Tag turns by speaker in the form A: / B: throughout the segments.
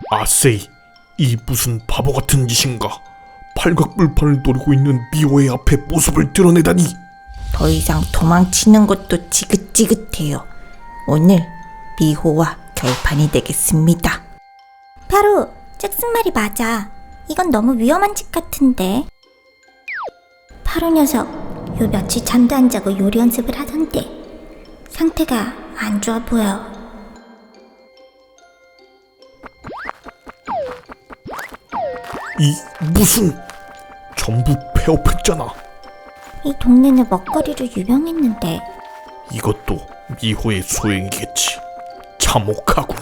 A: 아세이, 이 무슨 바보 같은 짓인가? 팔각불판을 노리고 있는 미호의 앞에 모습을 드러내다니.
B: 더 이상 도망치는 것도 지긋지긋해요. 오늘 미호와 결판이 되겠습니다.
C: 바로 잭슨 말이 맞아. 이건 너무 위험한 짓 같은데. 파로 녀석 요 며칠 잠도 안 자고 요리 연습을 하던데 상태가 안 좋아 보여.
A: 이 무슨, 전부 폐업했잖아.
C: 이 동네는 먹거리로 유명했는데.
A: 이것도 미호의 소행이겠지. 참혹하군.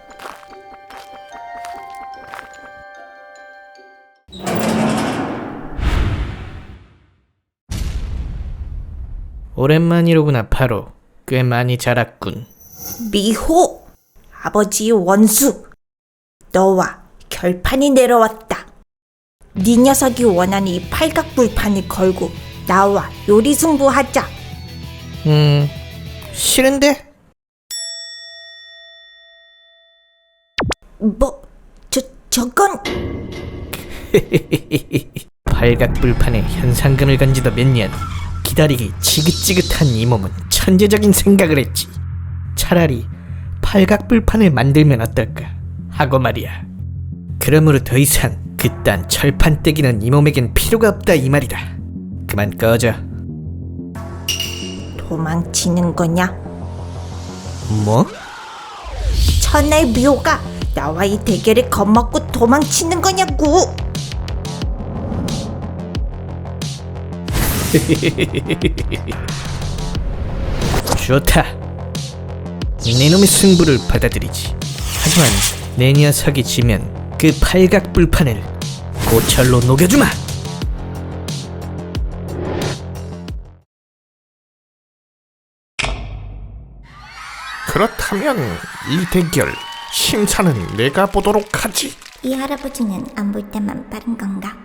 D: 오랜만이로구나 파로. 꽤 많이 자랐군.
B: 미호, 아버지의 원수. 너와 결판이 내려왔다. 네 녀석이 원하는 이 팔각불판을 걸고 나와 요리승부하자.
D: 싫은데?
B: 저건
D: 팔각불판에 현상금을 건지도 몇 년. 기다리기 지긋지긋한 이 몸은 천재적인 생각을 했지. 차라리 팔각불판을 만들면 어떨까 하고 말이야. 그러므로 더 이상 그딴 철판 떼기는 이 몸에겐 필요가 없다 이 말이다. 그만 꺼져.
B: 도망치는 거냐?
D: 뭐?
B: 천하의 미호가 나와 이 대결에 겁먹고 도망치는 거냐고.
D: 좋다. 네 놈의 승부를 받아들이지. 하지만 내 녀석이 지면 그 팔각불판을 고철로 녹여주마.
A: 그렇다면 이 대결 심사는 내가 보도록 하지.
C: 이 할아버지는 안 볼 때만 빠른 건가?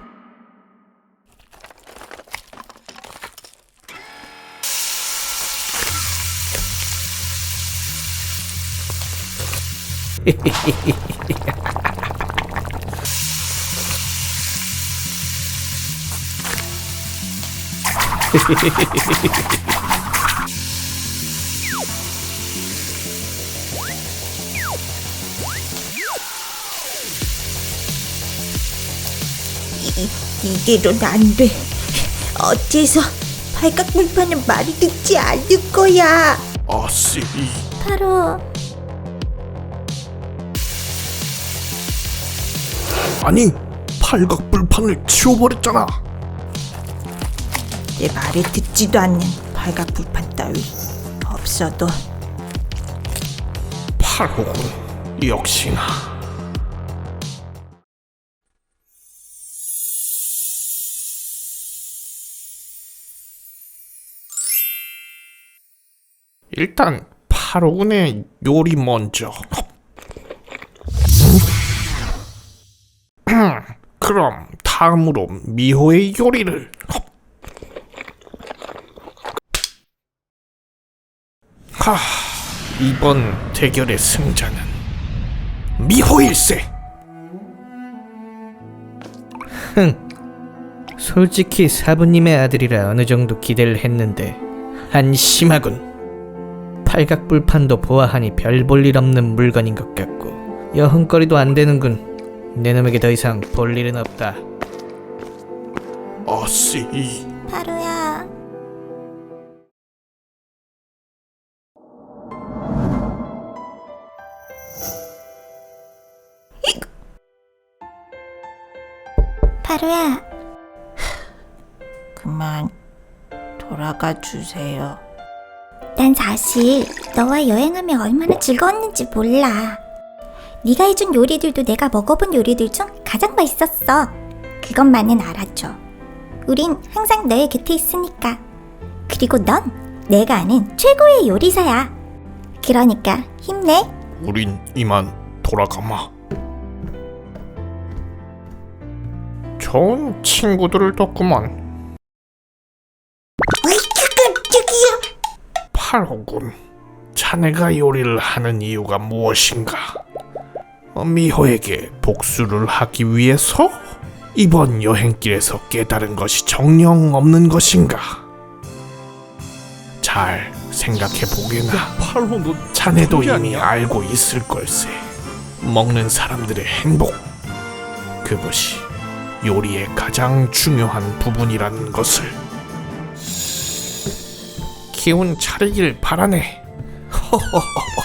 B: 이대로는 안 돼. 어째서 팔각불판은 말이 듣지 않을 거야.
A: 아세이,
C: 바로
A: 아니, 팔각불판을 치워버렸잖아.
B: 내 말을 듣지도 않는 팔각불판 따위 없어도.
A: 팔호군, 역시나. 일단 팔호군의 요리 먼저. 그럼 다음으로 미호의 요리를. 이번 대결의 승자는 미호일세.
D: 솔직히 사부님의 아들이라 어느 정도 기대를 했는데 한심하군. 팔각불판도 보아하니 별 볼 일 없는 물건인 것 같고 여흥거리도 안 되는군. 내 놈에게 더 이상 볼 일은 없다.
A: 아세이,
C: 바로야. 바로야.
B: 그만 돌아가 주세요.
C: 난 사실 너와 여행하며 얼마나 즐거웠는지 몰라. 네가 해준 요리들도 내가 먹어본 요리들 중 가장 맛있었어. 그것만은 알아줘. 우린 항상 너의 곁에 있으니까. 그리고 넌 내가 아는 최고의 요리사야. 그러니까 힘내.
A: 우린 이만 돌아가마. 좋은 친구들을 뒀구만.
B: 깜짝이야.
A: 팔호군, 자네가 요리를 하는 이유가 무엇인가? 미호에게 복수를 하기 위해서? 이번 여행길에서 깨달은 것이 정녕 없는 것인가? 잘 생각해 보게나.
E: 팔로 너
A: 자네도
E: 천재
A: 이미
E: 아니야?
A: 알고 있을 걸세. 먹는 사람들의 행복, 그것이 요리의 가장 중요한 부분이라는 것을. 기운 차리길 바라네. 허허허.